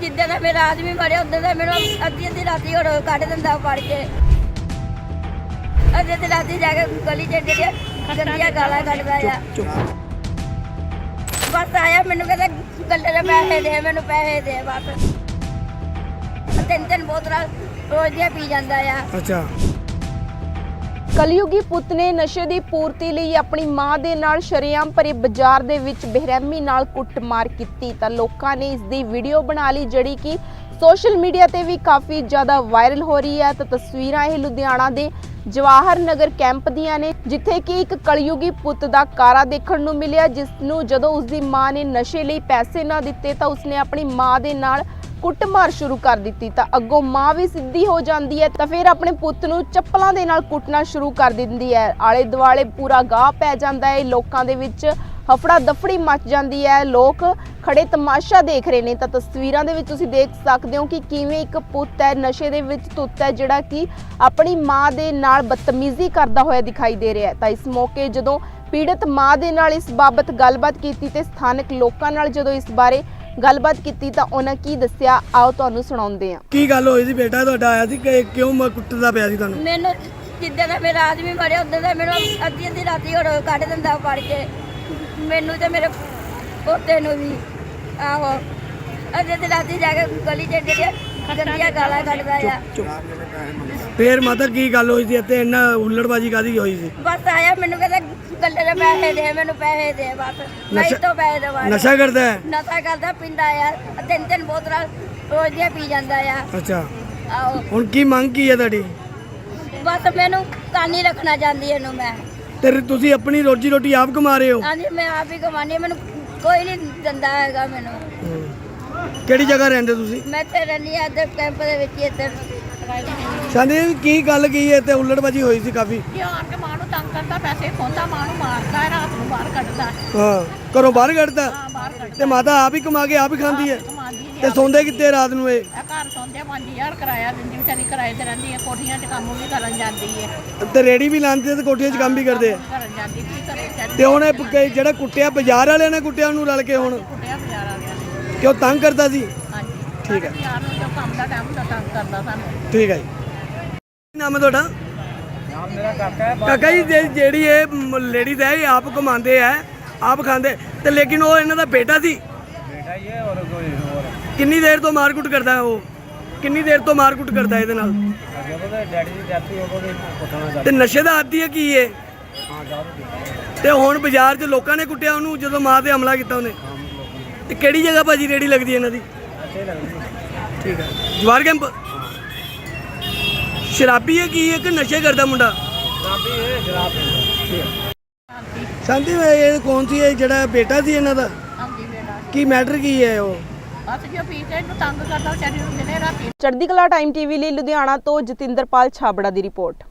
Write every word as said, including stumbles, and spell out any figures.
ਜਿੱਦਾਂ ਦਾ ਮੇਰਾ ਆਦਮੀ ਮਰਿਆ ਉਦੋਂ ਦਾ ਮੈਨੂੰ ਅੱਧੀ ਅੱਧੀ ਰਾਤੀ ਹੋਰ ਕੱਢ ਦਿੰਦਾ ਫੜ ਕੇ। ਅੱਧੀ ਅੱਧੀ ਰਾਤੀ ਜਾ ਕੇ ਗਲੀ 'ਚ ਜਿਹੜੀਆਂ ਗੰਦੀਆਂ ਗਾਲਾਂ ਕੱਢਦਾ ਆ। ਬਸ ਆਇਆ ਮੈਨੂੰ ਕਹਿੰਦਾ ਗੱਲੇ ਦੇ ਪੈਸੇ ਦੇ, ਮੈਨੂੰ ਪੈਸੇ ਦੇ ਬਸ। ਤਿੰਨ ਤਿੰਨ ਬੋਤਲਾਂ ਰੋਜ਼ ਦੀਆਂ ਪੀ ਜਾਂਦਾ ਆ। ਅੱਛਾ। ਕਲਯੁਗੀ ਪੁੱਤ ਨੇ ਨਸ਼ੇ ਦੀ ਪੂਰਤੀ ਲਈ ਆਪਣੀ ਮਾਂ ਦੇ ਨਾਲ ਸ਼ਰੇਆਮ ਭਰੇ ਬਾਜ਼ਾਰ ਦੇ ਵਿੱਚ ਬੇਰਹਿਮੀ ਨਾਲ ਕੁੱਟਮਾਰ ਕੀਤੀ ਤਾਂ ਲੋਕਾਂ ਨੇ ਇਸ ਦੀ ਵੀਡੀਓ ਬਣਾ ਲਈ, ਜਿਹੜੀ ਕਿ ਸੋਸ਼ਲ ਮੀਡੀਆ ਤੇ ਵੀ ਕਾਫੀ ਜ਼ਿਆਦਾ ਵਾਇਰਲ ਹੋ ਰਹੀ ਹੈ। ਤਾਂ ਤਸਵੀਰਾਂ ਇਹ ਲੁਧਿਆਣਾ ਦੇ ਜਵਾਹਰ ਨਗਰ ਕੈਂਪ ਦੀਆਂ ਨੇ, ਜਿੱਥੇ ਕਿ ਇੱਕ ਕਲਯੁਗੀ ਪੁੱਤ ਦਾ ਕਾਰਾ ਦੇਖਣ ਨੂੰ ਮਿਲਿਆ, ਜਿਸ ਨੂੰ ਜਦੋਂ ਉਸਦੀ ਮਾਂ ਨੇ ਨਸ਼ੇ ਲਈ ਪੈਸੇ ਨਾ ਦਿੱਤੇ ਤਾਂ ਉਸਨੇ ਆਪਣੀ ਮਾਂ ਦੇ ਨਾਲ ਕੁੱਟਮਾਰ ਸ਼ੁਰੂ ਕਰ ਦਿੱਤੀ। ਤਾਂ ਅੱਗੋਂ ਮਾਂ ਵੀ ਸਿੱਧੀ ਹੋ ਜਾਂਦੀ ਹੈ ਤਾਂ ਫਿਰ ਆਪਣੇ ਪੁੱਤ ਨੂੰ ਚੱਪਲਾਂ ਦੇ ਨਾਲ ਕੁੱਟਣਾ ਸ਼ੁਰੂ ਕਰ ਦਿੰਦੀ ਹੈ। ਆਲੇ ਦੁਆਲੇ ਪੂਰਾ ਗਾਹ ਪੈ ਜਾਂਦਾ ਹੈ, ਲੋਕਾਂ ਦੇ ਵਿੱਚ ਹਫੜਾ ਦਫੜੀ ਮਚ ਜਾਂਦੀ ਹੈ, ਲੋਕ ਖੜੇ ਤਮਾਸ਼ਾ ਦੇਖ ਰਹੇ ਨੇ। ਤਾਂ ਤਸਵੀਰਾਂ ਦੇ ਵਿੱਚ ਤੁਸੀਂ ਦੇਖ ਸਕਦੇ ਹੋ ਕਿ ਕਿਵੇਂ ਇੱਕ ਪੁੱਤ ਹੈ ਨਸ਼ੇ ਦੇ ਵਿੱਚ ਧੁੱਤ ਹੈ, ਜਿਹੜਾ ਕਿ ਆਪਣੀ ਮਾਂ ਦੇ ਨਾਲ ਬਦਤਮੀਜ਼ੀ ਕਰਦਾ ਹੋਇਆ ਦਿਖਾਈ ਦੇ ਰਿਹਾ ਹੈ। ਤਾਂ ਇਸ ਮੌਕੇ ਜਦੋਂ ਪੀੜਤ ਮਾਂ ਦੇ ਨਾਲ ਇਸ ਬਾਬਤ ਗੱਲਬਾਤ ਕੀਤੀ ਤੇ ਸਥਾਨਕ ਲੋਕਾਂ ਨਾਲ ਜਦੋਂ ਇਸ ਬਾਰੇ ਗੱਲਬਾਤ ਕੀਤੀ ਤਾਂ ਉਹਨਾਂ ਕੀ ਦੱਸਿਆ, ਆਓ ਤੁਹਾਨੂੰ ਸੁਣਾਉਂਦੇ ਹਾਂ। ਕੀ ਗੱਲ ਹੋਈ ਸੀ? ਬੇਟਾ ਤੁਹਾਡਾ ਆਇਆ ਸੀ ਕਿ ਕਿਉਂ ਮ ਕੁੱਟਦਾ ਪਿਆ ਸੀ ਤੁਹਾਨੂੰ? ਮੈਨੂੰ ਜਿੱਦਾਂ ਦਾ ਮੇਰਾ ਆਦਮੀ ਮਰਿਆ ਉਦੋਂ ਦਾ ਮੈਨੂੰ ਅੱਧੀ ਅੱਧੀ ਰਾਤੀ ਹੋਰ ਕੱਢ ਦਿੰਦਾ ਫੜ ਕੇ, ਮੈਨੂੰ ਤੇ ਮੇਰੇ ਪੋਤੇ ਨੂੰ ਵੀ। ਆਹੋ, ਅੱਧੀ ਅੱਧੀ ਰਾਤੀ ਜਾ ਕੇ ਗਲੀ 'ਚ ਜਿਹੜੀਆਂ ਗੰਦੀਆਂ ਗਾਲਾਂ ਕੱਢਦਾ ਆ। ਫੇਰ ਮਾਤਾ ਕੀ ਗੱਲ ਹੋਈ ਸੀ ਇੱਥੇ ਇੰਨਾ ਹੁੱਲੜਬਾਜੀ ਕਾਦੀ ਹੋਈ ਸੀ? ਬਸ ਆਇਆ ਮੈਨੂੰ ਕਹਿੰਦਾ ਗੱਲੇ ਦੇ ਪੈਸੇ ਦੇ, ਮੈਨੂੰ ਪੈਸੇ ਦੇ ਬਸ। ਨਹੀਂ ਤੋਂ ਪੈਸੇ ਦਵਾ। ਨਸ਼ਾ ਕਰਦਾ ਹੈ? ਨਸ਼ਾ ਕਰਦਾ, ਪੀਂਦਾ ਆ, ਤਿੰਨ ਤਿੰਨ ਬੋਤਲਾਂ ਰੋਜ਼ ਦੀਆਂ ਪੀ ਜਾਂਦਾ ਆ। ਅੱਛਾ। ਆਹੋ, ਹੁਣ ਕੀ ਮੰਗ ਕੀ ਹੈ ਤੁਹਾਡੀ? ਬਸ ਮੈਨੂੰ ਕਾਨੀ ਰੱਖਣਾ ਚਾਹੁੰਦੀ ਇਹਨੂੰ ਮੈਂ। ਤੇ ਤੁਸੀਂ ਆਪਣੀ ਰੋਜੀ ਰੋਟੀ ਆਪ ਕਮਾ ਰਹੇ ਹੋ? ਹਾਂਜੀ, ਮੈਂ ਆਪ ਹੀ ਕਮਾਨੀ, ਮੈਨੂੰ ਕੋਈ ਨਹੀਂ ਦਿੰਦਾ ਹੈਗਾ ਮੈਨੂੰ। ਕਿਹੜੀ ਜਗ੍ਹਾ ਰਹਿੰਦੇ ਤੁਸੀਂ? ਮੈਂ ਇੱਥੇ ਰਹਿੰਦੀ ਆ ਇੱਧਰ ਕੈਂਪ ਦੇ ਵਿੱਚ ਹੀ। ਇੱਧਰ ਸੰਦੀਪ ਕੀ ਗੱਲ ਕੀ ਹੈ ਤੇ ਹੁੱਲੜਬਾਜੀ ਹੋਈ ਸੀ ਕਾਫੀ? ਇਹ ਆਣ ਕੇ ਮਾਂ ਨੂੰ ਤੰਗ ਕਰਦਾ, ਪੈਸੇ ਖੋਂਦਾ, ਮਾਂ ਨੂੰ ਮਾਰਦਾ ਹੈ, ਰਾਤ ਨੂੰ ਬਾਹਰ ਕੱਢਦਾ। ਹਾਂ, ਘਰੋਂ ਬਾਹਰ ਕੱਢਦਾ? ਹਾਂ, ਬਾਹਰ ਕੱਢਦਾ। ਤੇ ਮਾਤਾ ਆਪ ਹੀ ਕਮਾ ਕੇ ਆਪ ਹੀ ਖਾਂਦੀ ਹੈ? ਕਮਾਉਂਦੀ ਤੇ ਸੌਂਦੇ ਕਿੱਥੇ ਰਾਤ ਨੂੰ ਇਹ? ਇਹ ਘਰ ਸੌਂਦੇ ਪੰਜ ਹਜ਼ਾਰ ਕਿਰਾਇਆ ਦਿੰਦੀ, ਵਿਚਾਰੀ ਕਿਰਾਏ ਤੇ ਰਹਿੰਦੀ ਹੈ, ਕੋਠੀਆਂ 'ਚ ਕੰਮ ਵੀ ਕਰਨ ਜਾਂਦੀ ਹੈ। ਤੇ ਰੇੜੀ ਵੀ ਲਾਉਂਦੇ ਤੇ ਕੋਠੀਆਂ 'ਚ ਕੰਮ ਵੀ ਕਰਦੇ ਆ? ਕਰਨ ਜਾਂਦੀ, ਕੀ ਕਰੇ ਵਿਚਾਰੀ। ਤੇ ਹੁਣ ਇਹ ਪ- ਜਿਹੜਾ ਕੁੱਟਿਆ ਬਾਜ਼ਾਰ ਵਾਲਿਆਂ ਨੇ ਕੁੱਟਿਆ ਉਹਨੂੰ ਰਲ ਕੇ ਹੁਣ ਕੁੱਟਿਆ ਬਾਜ਼ਾਰ ਵਾਲਿਆਂ ਨੇ। ਕਿਉਂ ਤੰਗ ਕਰਦਾ ਸੀ? ਹਾਂਜੀ, ਠੀਕ ਹੈ। ਯਾਰ ਨੂੰ ਜੋ ਕੰਮ ਦਾ ਟਾਈਮ ਹੁੰਦਾ ਤੰਗ ਕਰਦਾ ਸਾਨੂੰ। ਠੀਕ ਹੈ ਜੀ। ਕੀ ਨਾਮ ਹੈ ਤੁਹਾਡਾ? ਨਾਮ ਮੇਰਾ ਕਾਕਾ ਹੈ। ਕਾਕਾ ਜੀ ਜੇ- ਜਿਹੜੀ ਇਹ ਲੇਡੀਜ਼ ਹੈ ਇਹ ਆਪ ਕਮਾਉਂਦੇ ਆ, ਆਪ ਖਾਂਦੇ, ਤੇ ਲੇਕਿਨ ਉਹ ਇਹਨਾਂ ਦਾ ਬੇਟਾ ਸੀ। ਬੇਟਾ ਹੀ ਹੈ ਔਰ ਕੋਈ ਹੋਰ। ਕਿੰਨੀ ਦੇਰ ਤੋਂ ਮਾਰਕੁੱਟ ਕਰਦਾ ਹੈ ਉਹ? ਕਿੰਨੀ ਦੇਰ ਤੋਂ ਮਾਰਕੁੱਟ ਕਰਦਾ ਇਹਦੇ ਨਾਲ? ਜਦੋਂ ਤੇ ਡੈਡੀ ਦੀ ਡੈਥ ਹੋਈ ਉਦੋਂ ਵੀ ਪੁੱਛਣਾ ਤੇ ਚਾਹੀਦਾ। ਨਸ਼ੇ ਦਾ ਆਦੀ ਹੈ ਕੀ ਇਹ? ਹਾਂ ਜਾਓ। ਤੇ ਹੁਣ ਬਾਜ਼ਾਰ 'ਚ ਲੋਕਾਂ ਨੇ ਕੁੱਟਿਆ ਉਹਨੂੰ ਜਦੋਂ ਮਾਂ ਤੇ ਹਮਲਾ ਕੀਤਾ ਉਹਨੇ। ਤੇ ਕਿਹੜੀ ਜਗ੍ਹਾ ਭਾਜੀ ਰੇੜੀ ਲੱਗਦੀ ਇਹਨਾਂ ਦੀ? ਅੱਛੇ ਲੱਗਦੀ। ਠੀਕ ਹੈ। ਜਵਾਰ ਕੈਂਪ? ਸ਼ਰਾਬੀ ਹੈ ਕੀ ਹੈ ਕਿ ਨਸ਼ੇ ਕਰਦਾ ਮੁੰਡਾ? ਸ਼ਰਾਬੀ ਹੈ, ਸ਼ਰਾਬ ਪੀਂਦਾ। ਸ਼ਾਂਤੀ ਮੈਂ ਇਹ ਕੌਣ ਸੀ ਇਹ ਜਿਹੜਾ ਬੇਟਾ ਸੀ ਇਹਨਾਂ ਦਾ? ਹਾਂਜੀ ਬੇਟਾ, ਕੀ ਮੈਟਰ ਕੀ ਹੈ ਉਹ? ਬਸ ਜੋ ਪੀ ਕੇ ਇਹਨੂੰ ਤੰਗ ਕਰਦਾ, ਵਿਚਾਰੀ ਨੂੰ ਦਿਨੇ ਰਾਤੀ। ਚੜ੍ਹਦੀ ਕਲਾ ਟਾਈਮ ਟੀਵੀ ਲਈ ਲੁਧਿਆਣਾ ਤੋਂ ਜਤਿੰਦਰਪਾਲ ਛਾਬੜਾ ਦੀ ਰਿਪੋਰਟ।